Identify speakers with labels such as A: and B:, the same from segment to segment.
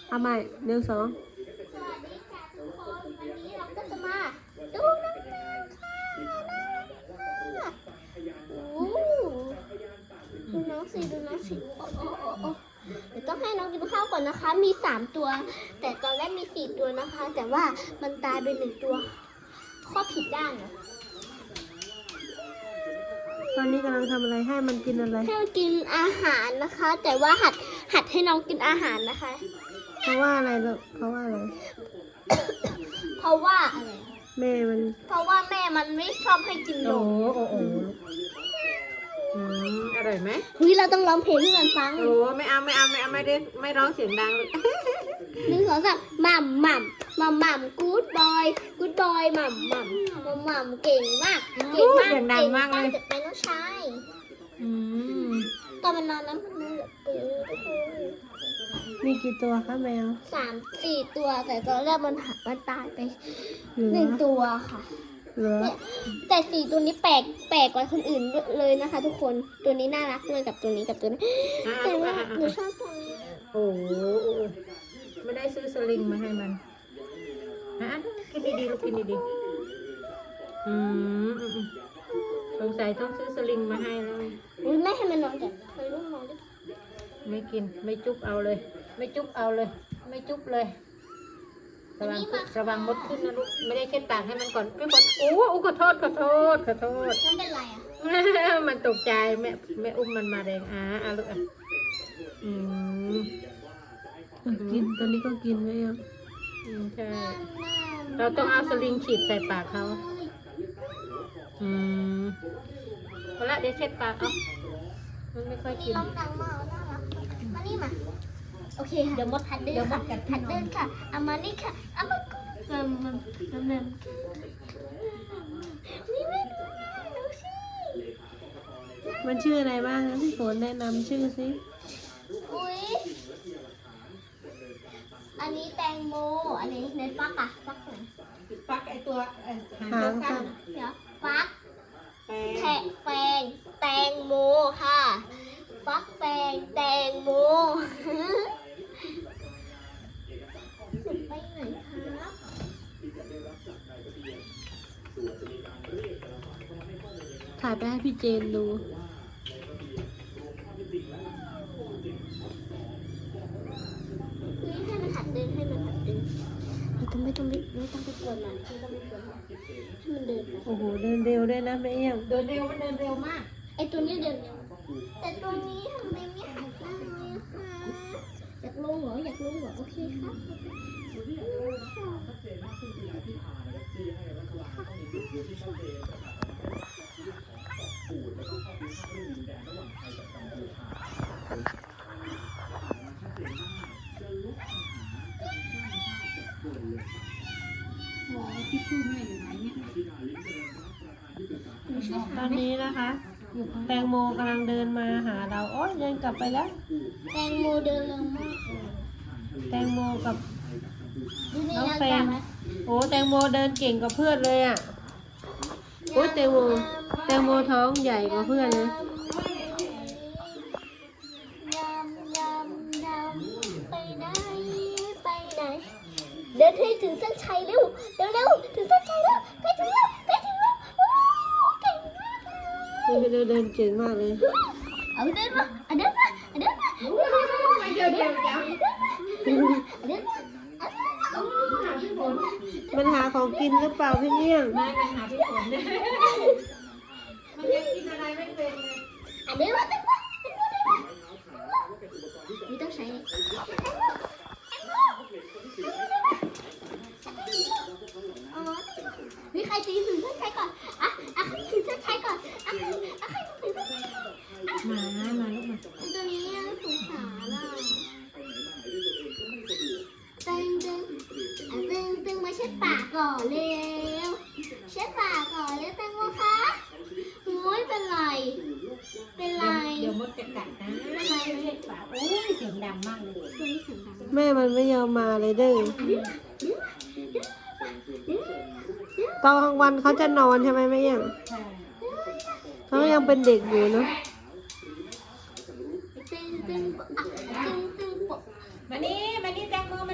A: เอาใหม่1 2
B: สวัสดีค่ะทุกคนวันนี้เราก็จะมาดูน้องแมวค่ะน่ารักมากโอ้ดูน้องสิโอ้เดี๋ยวต้องให้น้องกินข้าวก่อนนะคะมี3ตัวแต่ตอนแรกมี4ตัวนะคะ แต่ว่ามันตายไป1ตัวข้อผิดด้านนะ
A: ตอนนี้กำลังทำอะไรให้มันกินอะไร
B: ให้มันกินอาหารนะคะ แต่ว่าหัดให้น้องกินอาหารนะคะ
A: เพราะว่าอะไรลูกเพราะว่าอะไร
B: เพราะว่าอะไร
A: แม่มัน
B: เพราะว่าแม่มันไม่ชอบให้กินน
C: โอ้
B: ม
C: โอ้โอ้อร่อยไหม
B: เฮ้ยเราต้องร้องเพลงให้มันฟัง
C: โอ้ไม่เอาไม่ได้ไม่ร้องเสียงดังเลย
B: 1 2 3หม่ำหม่ำหม่ำหม่ำกู๊ดบอยหม่ำหม่ำหม่ำหม่ำเก่งมากเก่งมาก
C: เสียงดังมากเลย
B: จะเป็นน้องชาย
C: อืม
B: ตอนมันนอนน้ำมันแบบปื้อ
A: มีกี่ตัวคะแมว
B: 3-4 ตัวแต่ตอนแรกมันตายไป
A: เหลือ
B: 1 ตัวค่ะ
A: เหลือ
B: เนี่ยแต่4 ตัวนี้แปลกกว่าคนอื่นเลยนะคะ ทุกคนตัวนี้น่ารักเลยกับตัวนี้กับตัวนี้
C: อ่ะ
B: แต่ว่า
C: อ่ะ
B: หนู
C: อ่ะ
B: ชอบตัวนี้
C: โอ้ไม่ได้ซื้อสลิงมาให้มันอ่ะกินดีๆลูกกินดีๆสงสัยต้องซื้อสลิงมาให้แล้ว
B: อุ้ยแม่ให้มันนอนแต่เคยลูกนอนด้วย
C: ไม่กินไม่จุ๊บเอาเลย ไม่จุ๊บเอาเลย ไม่จุ๊บเลยระวังมดขึ้นนะลูกไม่ได้เช็ดปากให้มันก่อนพี่คนโอ้ขอโทษ
B: น้องเป็นไรอ่ะ
C: มันตกใจแม่อุ้มมันมาแรงเอาลูกอืม
A: กินตอนนี้ก็กินไหมอ่ะ
C: ใช่เราต้องเอาสลิงฉีดใส่ปากเขาเอาละเดี๋ยวเช็ดปากเอามันไม่ค่อย
B: นี่
C: กิน
B: ร้องดังมากน่ารักมานี่มาโอเคค่ะเดี๋ยวมดพัดเดินค่ะพัดเดินค่ะเอามานี่ค่ะเอามามันนี่แม่ดูสิ
A: มันชื่ออะไรบ้างนะพี่ฝนแนะนำชื่อสิ
B: อุ้ยอันนี้แตงโมอันนี้ในฟักอะฟักไหน
C: ปักไอตัวหาง
A: หางสั้
C: สั้
A: น
C: น
B: เดี๋ยวฟัก
C: แป
B: แฟงแตงโมค่ะ ฟักแฟงแตงโมหนูไปไหนครับ
A: ถ่ายไปให้พี่เจนดู
B: นี่ให้มันหัดเดินให้มันหัดเดินไม่ต้องไปกวนมันไม่ต้องไปกวนมันให้มันเดินไป
A: โอ้โหเดินเร็วด้วยนะแม่เอี้ยง
C: เดินเร็วมันเดินเร็วมาก
B: ไอตัวนี้เดินเร็วแต่ตัวนี้ทำไมไม่หัดได้เลยคะอยากลงเหรอโอเคครับหนูช่วย
A: ต
B: หา
A: อน
B: ไหม
A: นี้นะคะ แตงโมกำลังเดินมาหาเราโอ๊ยเดินกลับไปแล้ว
B: แตงโมเดินเร็วมาก
A: แตงโมกับ
B: ดูนี่
A: น้อง
B: เรา
A: แฟ
B: จั
A: น
B: บไหม
A: โอ้แตงโมเดินเก่งกว่าเพื่อนเลยอ่ะโอ้ยแตงโมท้องใหญ่กว่าเพื่อนเลย
B: ไปไหนเดินให้ถึงเส้นชัยเร็วถึงเส้นชัยแล้วใกล้ถึงแล้วโอ้เก่งมากเลย
A: เดินเก่งมากเลย
B: เอาเดินมาเดินมาเดินมา
A: มันหาของกินหรือเปล่าพี่เอี้ยง
C: ไม่มันหาพี่ฝนเนี่ยมันยังกินอะไรไม่เป็นเลย
B: เดินมานี่ต้องใช้นี่ใครตีถึงเส้นชัยก่อนถึงเส้นชัยก่อนใครถึงเส้นชัย
C: มาลูกมา
B: ตัวนี้สงสารอ่ะตึงมาเช็ดปากก่อนเร็วเช็ดปากก่อนเร็วแตงโมคะโอ้ยเป็นไร
C: เดี๋ยวมดจะกัดนะไม่เช็ดปากโอ้ยเสียงดังมากเลย
B: ตัวนี้เสียงดัง
A: แม่มันไม่ยอมมาเลยเด้อตอนกลางวันเขาจะนอนใช่ไหมแม่เอี้ยง
C: ใช่
A: เขายังเป็นเด็กอยู่เนาะ
B: ตึงปะ
C: มานี่แตงโม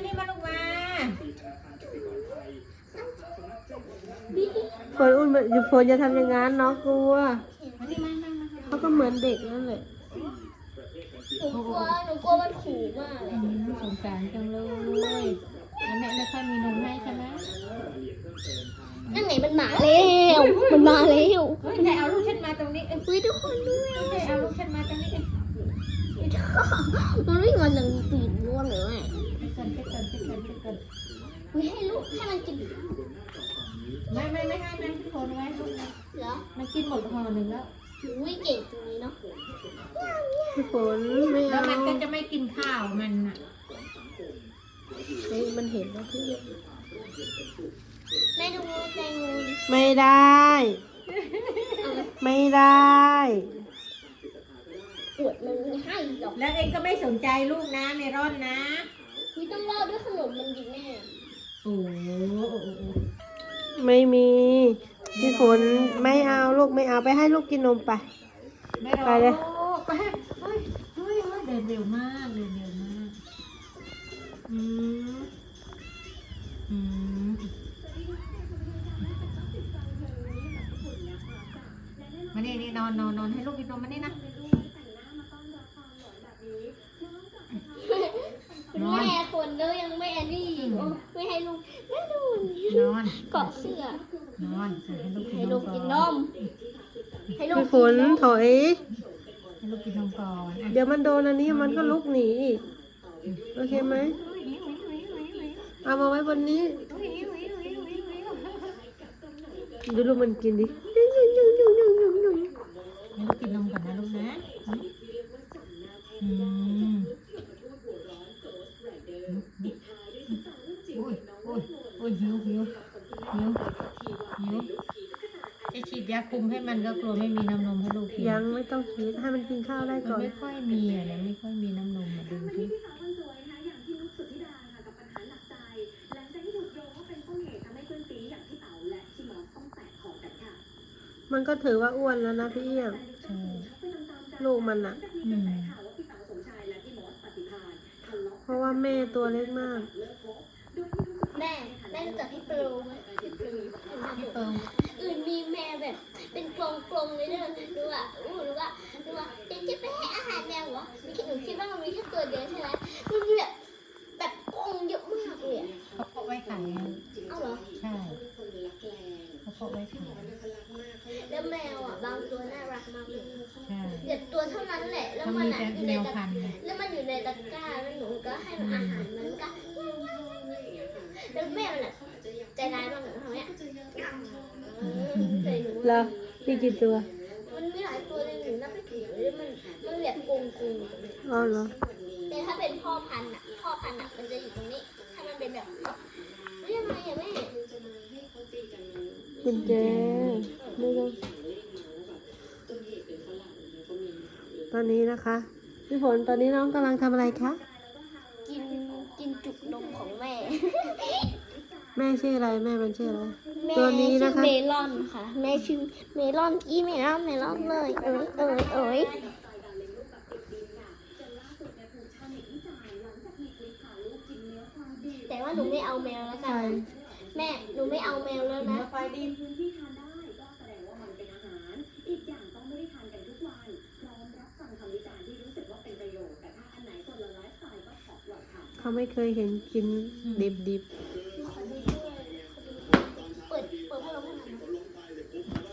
A: อยู่ฝนจะทำอย่างนั้นน้องกลัว
C: มานี่มา
A: เขาก็เหมือนเด็กนั่นแหละ
B: หนูกลัวมันขู่มากเลย
C: สงสารจังเลยแล้วแม่ไม่ค่อยมีนมให้ใช่ไหม
B: นั่นไงมันมาแล้วมันมาแล้ว
C: เฮ้ยไหนเอาลูกฉันมาตรงนี้เอ้ย
B: อุ้ยทุกคนด้วย
C: ไหนเอาลูกฉันมาตรงนี้เอ้ย
B: มันวิ่งมาหนึ่งปีนล้วนเลยแม่
C: ไปก่อน
B: อุ้ยให้ลูกให้มันกิน
C: ไม่ให้มันพี่ฝนไว้ลูกนะ
B: เหรอ
C: มันกินหมดห่อหนึ่งแล้ว
B: อุ้ยเก่งตรงนี้เนาะ
A: พี่ฝนไม่
C: แล้ว
A: เอา
C: มันก็จะไม่กินข้าวมันอ่ะ
A: เฮ้ยมันเห็นแล้วพี่
B: แม่ดูแตงโมดิ
A: ไม่ได้ ไม่ได้
B: อวดมันไม่ให้หรอก
C: แล้วเองก็ไม่สนใจลูกนะเมรอนนะ
B: อุ้ยต้องรอด้วยขนมมันดิแม่
C: โอ้โห
A: ไม่มีพี่ฝนไม่เอาลูกไม่เอาไปให้ลูกกินนมไป
C: ไม่รอ
A: ไปเลย
C: ไปเฮ้ยเดินเร็วมากอืมมานี่นอนให้ลูกกินนมมานี่นะ นอน
B: แม่คนแล้วยังไม่อันนี้อีกโอ้ไม่ให้ลูกแม่ดู
C: นอน
B: เกาะเสื้อน
C: อนให้ลูกกิน
B: ให้
C: น
B: ลู
C: ม
B: กกินนมให้ลูก
A: พี่ฝ
B: กิ
A: น
B: นนม
A: ถอย
C: ให้ลูกกินนมก่อนอ่ะ
A: เดี๋ยวมันโดนอันนี้มันก็ลุกหนีอีกโอเคไหมเอามาไว้บนนี้ดูลูกมันกินดิยุ่ง
C: ให้ลูกกินนมก่อนนะลูกนะอืมโอ้ยหิวจะฉีดยาคุมให้มันก็กลัวไม่มีน้ำนมให้ลูกกิน
A: ยังไม่ต้องคิดให้มันกินข้าวได้
C: มัน
A: ก่อน
C: ไม่ค่อยมีอ่ะเนี่ยไม่ค่อยมีน้ำนมอ่ะดูสิ
A: มันก็ถือว่าอ้วนแล้วนะพี่เอี้ยง
C: ใช่
A: ลูกมันอะ
C: อืม
A: เพราะว่าแม่ตัวเล็กมาก
B: แม่รู้จักพี่ปลูไหมพี่ปลู
C: พี่เปิง
B: อื่นมีแม่แบบเป็นกลมๆเลยเนอะดูว่าเด็กจะไปให้อาหารแมวเหรอหนูคิดว่ามันมีแค่ตัวเดียวใช่ไหมมันมีแบบกลงเยอะมากเลยอะ
C: เขาเพาะไว้ขายอ่ะ
B: เอาเหรอ
C: ใช่เขาเพาะไว้ขาย
B: แล้วแมวอ่ะบางตัวน่ารักมากเลย
C: ใช่
B: เด็กตัวเท่านั้นแหละ แล้ว
C: เขา
B: มัน
C: มี
B: อ่ะ
C: แต่
B: อยู่
C: แม
B: ใน
C: ว
B: ตะ
C: พันธุ์ไง
B: แล้วมันอยู่ในตะกร้าแล้วหนูก็ให้มันอาหารมันก็แล้วแม่มันอ่ะใจร้ายมากเลยทำเนี้ยเคยหนู
A: แล้วพี่กี่ตัว
B: มันมีหลายตัวเลยหนูนับไม่ถึงเลยมันแบบโกง
A: อ๋อเหรอ
B: แต่ถ้าเป็นพ่อพันธุ์อ่ะมันจะอยู่ตรงนี้ ถ้ามันเป็นแบบเรียกอะไรอ่ะแม่
A: กุญแจไม่ต้องตอนนี้นะคะพี่ฝนตอนนี้น้องกำลังทำอะไรคะ
B: กินจุกนมของแม่
A: แม่ชื่ออะไรแม่มันชื่ออะไร
B: แม่
A: ตัวนี้
B: ชื่
A: นะ
B: อ
A: คะ
B: เมลอนค่ะ แม่ชื่อเมลอนเมลอนเลยเอ้ยแต่ว่าหนูไม่เอาแมวแล้วกั
A: ใช่
B: นแม่หนูไม่เอาแมวแล้วนะ
C: ไฟดี
A: เขาไม่เคยเห็นกินดิบ
B: เปิดพัดลมให้มันนะ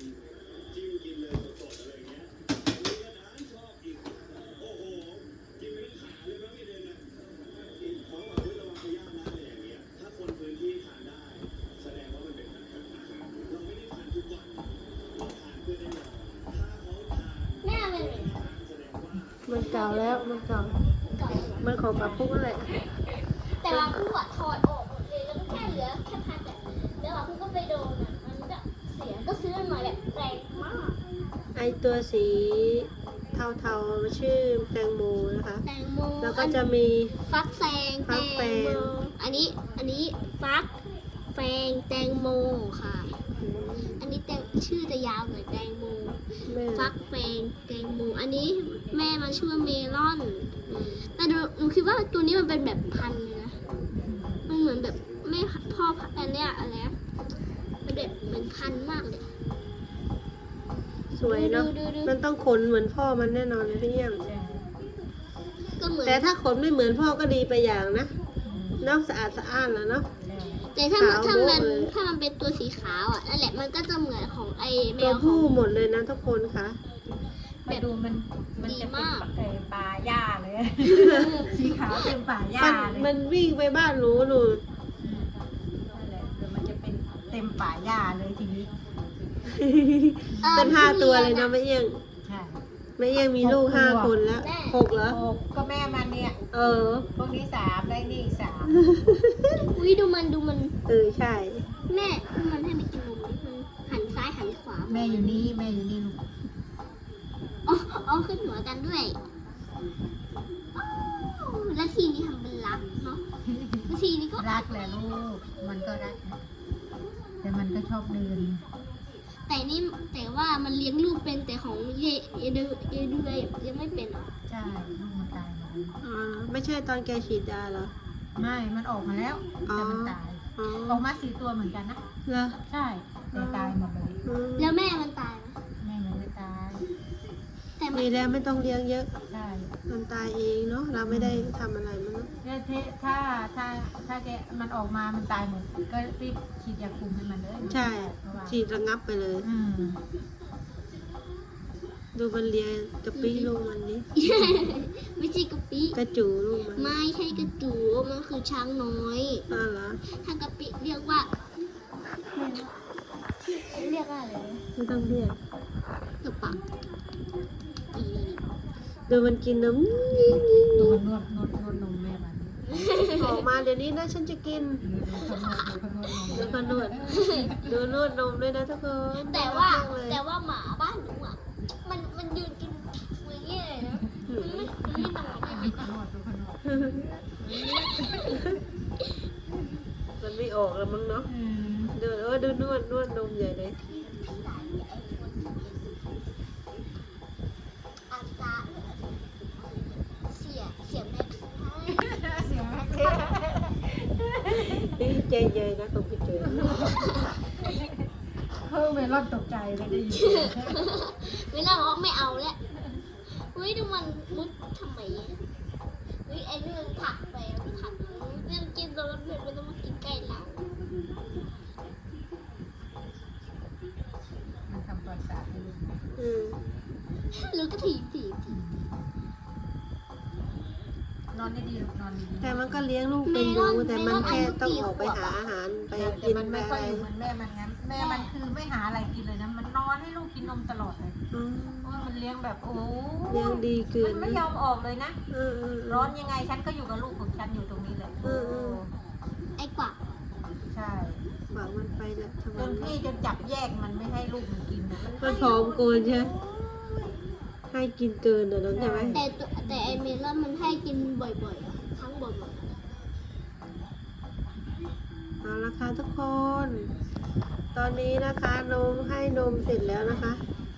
B: แม่เป็นไง
A: ๆมันเก่าแล้วมันเก่า
B: ก่อน
A: มันของปลาพุกนั่นแหละ
B: แต่ว่าผู้อะถอดออกหมดเลยแล้วก็แค่เหลือแค่พัดอะแล้วว่าผู้ก็ไปโดนอะมันก็เสียก็ซื้อมันมาแบบแรงมาก
A: ไอตัวสีเทาๆชื่อแตงโมนะคะ
B: แตงโม
A: แล้วก็จะมี
B: ฟักแฟง
A: ฟักแฟง
B: โมอันนี้ฟักแฟงแตงโมค่ะ อันนี้ชื่อจะยาวหน่อยแตงโม
A: แม่
B: ฟักแฟงแตงโมอันนี้แม่มันชื่อว่าเมลอน แต่หนูคิดว่าตัวนี้มันเป็นแบบพันธุ์เลยนะ มันเหมือนแบบแม่พ่อพันธุ์อันเนี้ยอะไรนะมันแบบเหมือนพันธุ์มาก
A: วยเนาะ
B: ดู
A: มันต้องขนเหมือนพ่อมันแน่นอนเลยพี่เอี้ยง
C: ใช่
B: ก็เหมือน
A: แต่ถ้าขนไม่เหมือนพ่อก็ดีไปอย่างนะ
C: อืม
A: เนอกสะอาดสะอ้านแล้วเนาะ
C: ใช่
B: แต่ถ้า
A: ขาว
B: ถ้า
A: โบ๊ะ
B: มัน
A: เลย
B: ถ้ามันเป็นตัวสีขาวอ่ะนั่นแหละมันก็จะเหมือนของไอแม
A: ตัว
B: วขอ
A: ผู้
B: ง
A: หมดเลยนะทุกคนค่ะ
C: มาดูมันจะ
B: ดี
C: เป็น
B: มาก
C: ป่าหญ้าเลย สีขาวเต็มป่าหญ้า
A: มัน
C: เลย
A: มันวิ่งไปบ้านหนูหนู
C: นั่นแหละเดี๋ยวมันจะเป็นเต็มป่าหญ้าเลยทีนี้
A: เป็น5 ตัวเลยนะแม่เอี้ยง
C: ใช่
A: แม่เอี้ยงมีลูก
C: 6 ตัว
A: 5 คนแล้ว6เหรอ
C: โอ้ก็แม่มันเนี่ย
A: เออ
C: พวกนี้3ได้นี่อีก3
B: อุ้ยดูมัน
A: เออใช่
B: แม่ดูมันให้มันกินนมดิมันหันซ้ายหันขวา
C: แม่อยู่นี่แม่อยู่นี่ลูก
B: อ๋อขึ้นหัวกันด้วยอ้าวแล้วทีนี้ทำเป็นรักเนาะแล้วทีนี้ก็
C: รักแหละลูกมันก็รักนะแต่มันก็ชอบเดิน
B: แต่ว่ามันเลี้ยงลูกเป็นแต่ของเยดูยังไม่เป็นอ่ะ
C: ใช่ลูกมันตายหมดเลย
A: อ๋อไม่ใช่ตอนแกฉีดยาเหรอ
C: ไม่มันออกมาแล้วแต่มันตาย
A: อ๋อ
C: ออกมา4 ตัวเหมือนกันนะ
A: เหรอ
C: ใช่แต่ตายหมดเลย
A: อืม
B: แล้วแม่มันตายไหม
C: แม่มันไม่ตาย
B: แต่มัน
A: มีแล้วไม่ต้องเลี้ยงเยอะ
C: ใช่
A: มันตายเองเนาะเราไม่ได้ทำอะไรมันเนอะ
C: เนี่ยถ้าแกมันออกมามันตายหมดก็รีบฉีดยาคุมให้มันเลย
A: ใช่
C: เพราะว่า
A: ฉีดระงับไปเลย
C: อืม
A: ดูมันเลียกระปี้ลูกมันนี่
B: ไม่ใช่กะปิ
A: กระจูลูกมัน
B: ไม่ใช่กระจูมันคือช้างน้อย
A: น่ารัก
B: ถ้ากะปิเรียกว่าเรียกว่าอะไรนะ
A: ไม่ต้องเรียก
B: กระปะอี
A: ดูมันกินนม
C: ดูมันนวดนมแม่มัน
A: ออกมาเดี๋ยวนี้นะฉันจะกิน
C: ดูเขานวด
A: ดูนวดนมด้วยนะทุกคน
B: แต่ว่า
A: น่รักมกเลย
B: หมาบ้านหนูอ่ะมันยืนกินมือเงี้ยเลยนะมันไม่นอน
C: ดูเขานวดดูเขานวด
A: มันไม่ออกแล้วมั้งเนาะ
C: อืม
A: ดูนวดนมใหญ่เลย
B: อาตาเสียแม็กซ์ให้
C: เสียงแม่เท่
A: นี่ใจเย็นนะตรงพี่เจอ
C: เพิ่งเมลอนตกใจเลยได้ยิน
B: ไม่น่าบอกไม่เอาแล้วเฮ้ยดูมันมุดทำไมอะเฮ้ยไอ้นี่มันผลักไปมันผลักเรื่องกินตอนนั้นเพื่อนไม่ต้องมากินใกล้เรา
C: มันทำประสาทให้ลูก
A: อืม
B: แล้วก็ถีบ
C: นอนดีๆลูกนอนดีๆ
A: แต่มันก็เลี้ยงลูกเป็นอยู่แต่มันแค่ต้องออกไปหาอาหารไป
C: แต่
A: กิน
C: มัน
A: ไป
C: ไม่ค่
A: อะ
C: อย
A: ไร
C: อยู่เหมือนแม่มันงั้นแม่มันคือไม่หาอะไรกินเลยนะมันนอนให้ลูกกินนมตลอดเลย
A: อืม
C: เพราะว่ามันเลี้ยงแบบโอ้
A: เลี้ยงดีเกิน
C: มันไม่ยอมออกเลยนะ
A: เออ
C: ร้อนยังไงฉันก็อยู่กับลูกของฉันอยู่ตรงนี้แหละ
B: ไอ้กวัก
C: ใช่
A: หวังมันไปแล้วทำไม
C: จนพี่จะจับแยกมันไม่ให้ลูกมันกินนะ
A: มันผอมเกินใช่ไหมให้กินเกินเหรอน้องใช่ไหม
B: แต่ไอเมลอนมันให้กินบ่อยๆอะครั้งบ่อย
A: เอาละค่ะทุกคน ตอนนี้นะคะนมให้นมเสร็จแล้วนะคะ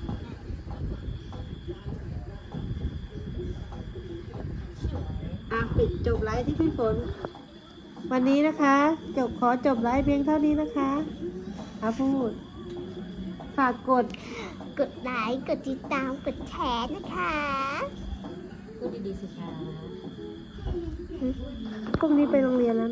A: ปิดจบไลฟ์ที่พี่ฝน วันนี้นะคะขอจบไลฟ์เพียงเท่านี้นะคะพูด ฝากกด
B: ๆกดไลค์กดติดตามกดแชร์นะคะ
C: พูดดีๆสิคะ
A: พรุ่งนี้ไปโรงเรียนแล้ว